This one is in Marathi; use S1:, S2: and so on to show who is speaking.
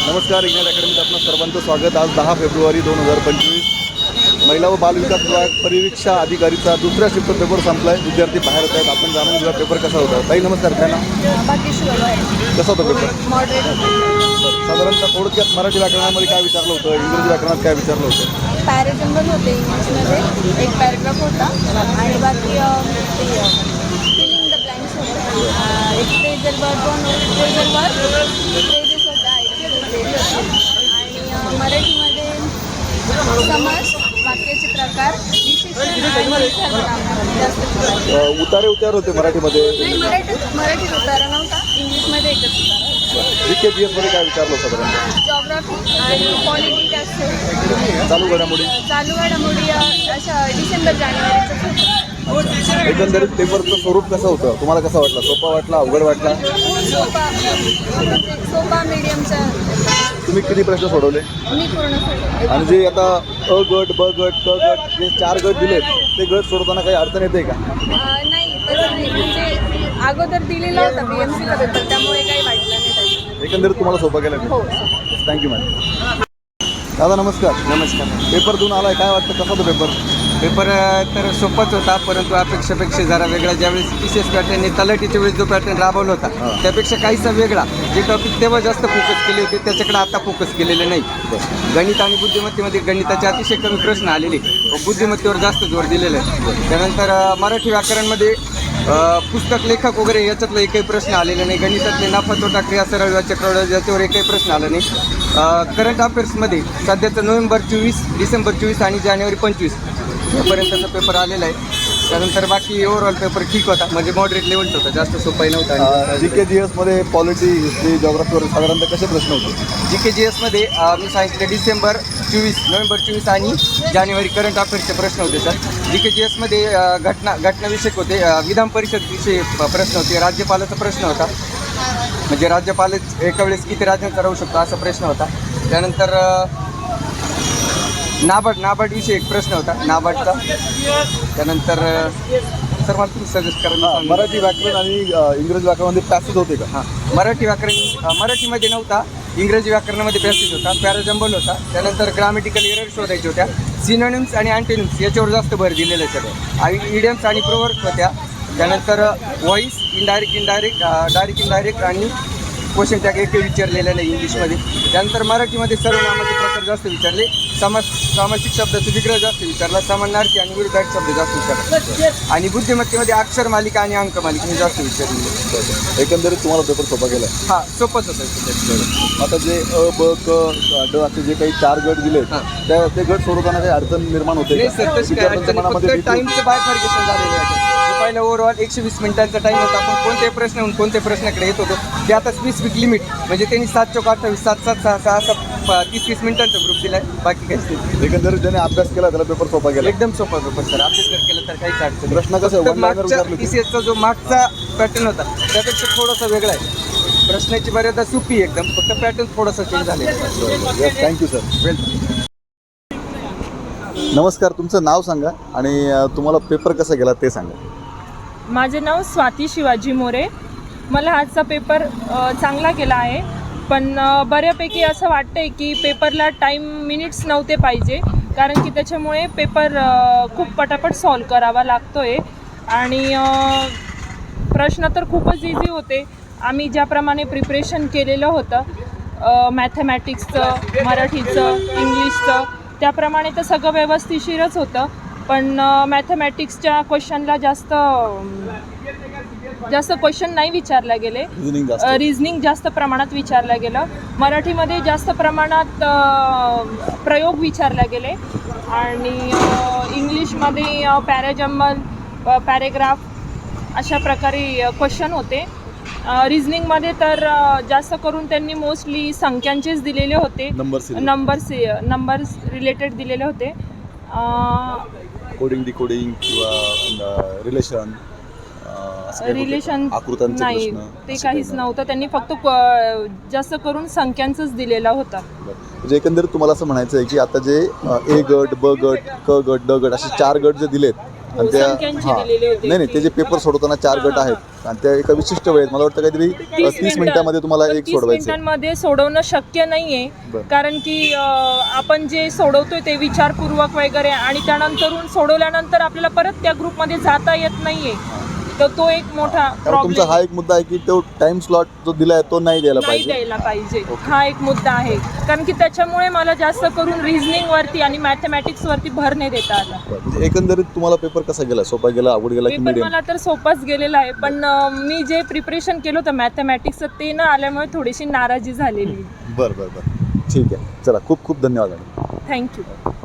S1: नमस्कार, इग्नाइट अकॅडमीत आपलं सर्वांचं स्वागत। आज 10 फेब्रुवारी 2025 महिला व बाल विकास विभाग परिवीक्षा अधिकारीचा दुसऱ्या शिफ्ट पेपर संपलाय। विद्यार्थी बाहेर येत आहेत। आपण जाणून घेऊया पेपर कसा होता। ताई नमस्कार, काय नाव? कसा होता पेपर? साधारणतः थोडक्यात मराठी व्याकरणामध्ये काय विचारलं होतं, इंग्रजी व्याकरणात काय विचारलं होतं?
S2: पॅरेजंबल होते इंग्लिशमध्ये, एक पॅरेग्राफ होता आणि बाकी फिलिंग द ब्लँक्स होतं। एक phrasal verb, phrasal verb, phrases होता, आणि मराठीमध्ये समास, वाक्याचे प्रकार, विशेषण आणि सर्वनाम जास्त
S1: उतारे उतार होते मराठीमध्ये।
S2: मराठीत उतारा नव्हता, इंग्लिशमध्ये एकच उतारा होता।
S1: जीके जीएस मध्ये काय विचारलं होतं साधारणतः?
S2: जॉग्राफी आणि पॉलिटी टॅक्स,
S1: चालू घडामोडी
S2: अशा डिसेंबर जानेवारीचं होतं।
S1: एकंदरीत पेपरचं स्वरूप कसं होतं, तुम्हाला कसं वाटलं? सोपा वाटला, अवघड वाटला?
S2: सोपा मीडियमचा।
S1: तुम्ही किती प्रश्न सोडवले?
S2: मी पूर्ण सोडवले।
S1: आणि जे आता अ गट, ब गट, क गट जे 4 गट दिलेत ते गट सोडवताना काही अडचण येते का?
S2: नाही, तसं नाही, म्हणजे अगोदर दिलेला होता BMCचा पेपर, त्यामुळे काही वाटलं नाही त्याच्यात।
S1: एकंदरीत तुम्हाला सोपं गेलं?
S2: हो।
S1: Thank you madam. दादा नमस्कार।
S3: नमस्कार।
S1: पेपर देऊन आलाय, काय वाटतं कसा होता पेपर?
S3: पेपर तर सोपाच होता, परंतु अपेक्षेपेक्षा जरा वेगळा। ज्यावेळेस विशेष पॅटर्नने तलाठीच्या वेळेस जो पॅटर्न राबवला होता त्यापेक्षा काहीसा वेगळा। जे टॉपिक तेव्हा जास्त फोकस केले होते त्याच्याकडे आता फोकस केलेले नाही। गणित आणि बुद्धिमत्तेमध्ये गणिताचे अतिशय कमी प्रश्न आलेले, बुद्धिमत्तेवर जास्त जोर दिलेला आहे। त्यानंतर मराठी व्याकरणमध्ये पुस्तक लेखक वगैरे याच्यातलं एकही प्रश्न आलेला नाही। गणितातले नफा तोटा क्रिया सरळ चक्रवाढ याच्यावर एकही प्रश्न आला नाही। करंट अफेअर्समध्ये सध्याचं नोव्हेंबर 24, डिसेंबर 24 आणि जानेवारी 25 यापर्यंतचा पेपर आलेला आहे। त्यानंतर बाकी ओव्हरऑल पेपर ठीक होता, म्हणजे मॉडरेट लेवलचा होता, जास्त सोपाही नव्हता।
S1: जीके जीएस मध्ये पॉलिटी, हिस्ट्री, जॉग्राफीवर साधारणतः कसे प्रश्न होते?
S3: जीके जीएस मध्ये मी सांगितलं डिसेंबर 24, नोव्हेंबर 24 आणि जानेवारी करंट अफेअर्सचे प्रश्न होते सर। जीके जीएस मध्ये घटनाविषयक होते, विधान परिषद विषयी प्रश्न होते, राज्यपालाचा प्रश्न होता, म्हणजे राज्यपाल एका वेळेस किती राज्यांचा राहू शकतो असा प्रश्न होता। त्यानंतर नाबार्ड विषयी एक प्रश्न होता, नाबार्डचा। त्यानंतर सर मला तुम्ही सजेस्ट करा।
S1: मराठी व्याकरण आणि इंग्रजी व्याकरणामध्ये पॅसेज होते का?
S3: हां, मराठीमध्ये नव्हता, इंग्रजी व्याकरणामध्ये पॅसेज होता, पॅराजंबल होता। त्यानंतर ग्रामॅटिकल एरर शोधायच्या होत्या, सिनोनिम्स आणि अँटोनिम्स याच्यावर जास्त भर दिलेलं आहे सगळं, आणि इडियम्स आणि प्रोवर्ब्स होत्या। त्यानंतर व्हॉइस, डायरेक्ट आणि क्वेश्चन टॅग एकही विचारलेलं नाही इंग्लिशमध्ये। त्यानंतर मराठीमध्ये सर्वनामाचे प्रकार जास्त विचारले, सामासिक शब्दाचा विग्रह जास्त विचारला, समानार्थी आणि विरुद्धार्थी शब्द जास्त विचारला, आणि बुद्धिमत्तेमध्ये अक्षर मालिका आणि अंक मालिका हे जास्त विचारले।
S1: एकंदरीत तुम्हाला पेपर सोपा गेला?
S3: हां, सोपंच होतं।
S1: आता जे अ, ब, क, ड असे जे काही 4 गट दिले ते गट सोडवताना काही अडचण निर्माण होते?
S3: नाही सर, तशी काय अडचण नाही, फक्त टाईमचं बायफर्गेशन झालेलं आहे। पहिला ओव्हरऑल 120 मिनिटांचा टाईम होता, आपण कोणत्याही प्रश्न कोणत्याही प्रश्नाकडे येत होतो ते आता स्पेसिफिक लिमिट, म्हणजे त्यांनी 7 चौक 28, 7 7 6 6 असं 30-30 मिनिटांचा ग्रुप दिला आहे, बाकी काहीच नाही।
S1: एकंदरीत ज्याने अभ्यास केला त्याला पेपर सोपा गेला?
S3: एकदम सोपा पेपर सर, अभ्यास जर केलं तर काहीच अडचण नाही।
S1: प्रश्न कसं
S3: मागच्या TCSचा जो मागचा पॅटर्न होता त्यापेक्षा थोडासा वेगळा आहे, प्रश्नाची मर्यादा सोपी एकदम, फक्त पॅटर्न थोडासा चेंज झालेला आहे।
S1: Thank you sir.
S3: वेलकम।
S1: नमस्कार, तुमचं नाव सांगा आणि तुम्हाला पेपर कसा गेला ते सांगा।
S4: माझे नाव स्वाती शिवाजी मोरे। मला आजचा पेपर चांगला गेला आहे, पण बऱ्यापैकी असं वाटतं आहे की पेपरला मिनिट्स नव्हते पाहिजे, कारण की त्याच्यामुळे पेपर खूप पटापट सॉल्व करावा लागतो आहे, आणि प्रश्न तर खूपच इझी होते। आम्ही ज्याप्रमाणे प्रिपरेशन केलेलं होतं मॅथमॅटिक्सचं, मराठीचं, इंग्लिशचं, त्याप्रमाणे तर सगळं व्यवस्थिशीरच होतं, पण मॅथमॅटिक्सच्या क्वेश्चनला जास्त क्वेश्चन नाही विचारले गेले, रिझनिंग जास्त प्रमाणात विचारलं गेलं, मराठीमध्ये जास्त प्रमाणात प्रयोग विचारले गेले, आणि इंग्लिशमध्ये पॅराजंबल, पॅरेग्राफ अशा प्रकारे क्वेश्चन होते। रिझनिंगमध्ये तर जास्त करून त्यांनी मोस्टली संख्यांचेच दिलेले होते, नंबर्स रिलेटेड दिलेले होते।
S1: कोडिंग डिकोडिंग किंवा रिलेशन
S4: नाही, ते काहीच नव्हतं, त्यांनी फक्त जास्त करून संख्यांचंच दिलेला होता।
S1: म्हणजे एकंदरीत तुम्हाला असं म्हणायचं आहे की आता जे ए गट, ब गट, क गट, ड गट असे 4 गट जे दिलेत आणि त्या
S4: संख्यांचे
S1: हां
S4: दिलेले होते.
S1: नाही ते जे पेपर सोडवताना 4 गट आहेत आणि त्या एका विशिष्ट वेळेत मला वाटतं काहीतरी 30 मिनिटामध्ये तुम्हाला एक
S4: 30
S1: सोडवायचं आहे.
S4: मिनिटांमध्ये सोडवणं शक्य नाहीये.
S1: बरं.
S4: कारण की आपण जे सोडवतोय ते विचारपूर्वक वगैरे आणि त्यानंतरून सोडवल्यानंतर आपल्याला परत त्या ग्रुपमध्ये जाता येत नाहीये. तर तो एक मोठा
S1: कारण तुमचा
S4: प्रॉब्लेम
S1: हा एक मुद्दा आहे की तो टाइम स्लॉट जो दिला आहे तो नाही द्यायला
S4: नाही
S1: पाहिजे.
S4: द्यायला पाहिजे. हा एक मुद्दा आहे. कारण की त्याच्यामुळे मला जास्त करून रिझनिंग वरती आणि मॅथमॅटिक्स वरती भर नाही देता आला.
S1: म्हणजे एकंदरीत तुम्हाला पेपर कसा गेला? सोपा गेला, अवघड गेला की
S4: पेपर
S1: मीडियम?
S4: मला तर सोपाच गेलेला आहे. पण मी जे प्रिपरेशन केलं होतं मॅथमॅटिक्सचं ते न आल्यामुळे थोडीशी नाराजी झालेली.
S1: बरं ठीक आहे. चला खूप खूप धन्यवाद.
S4: थँक्यू.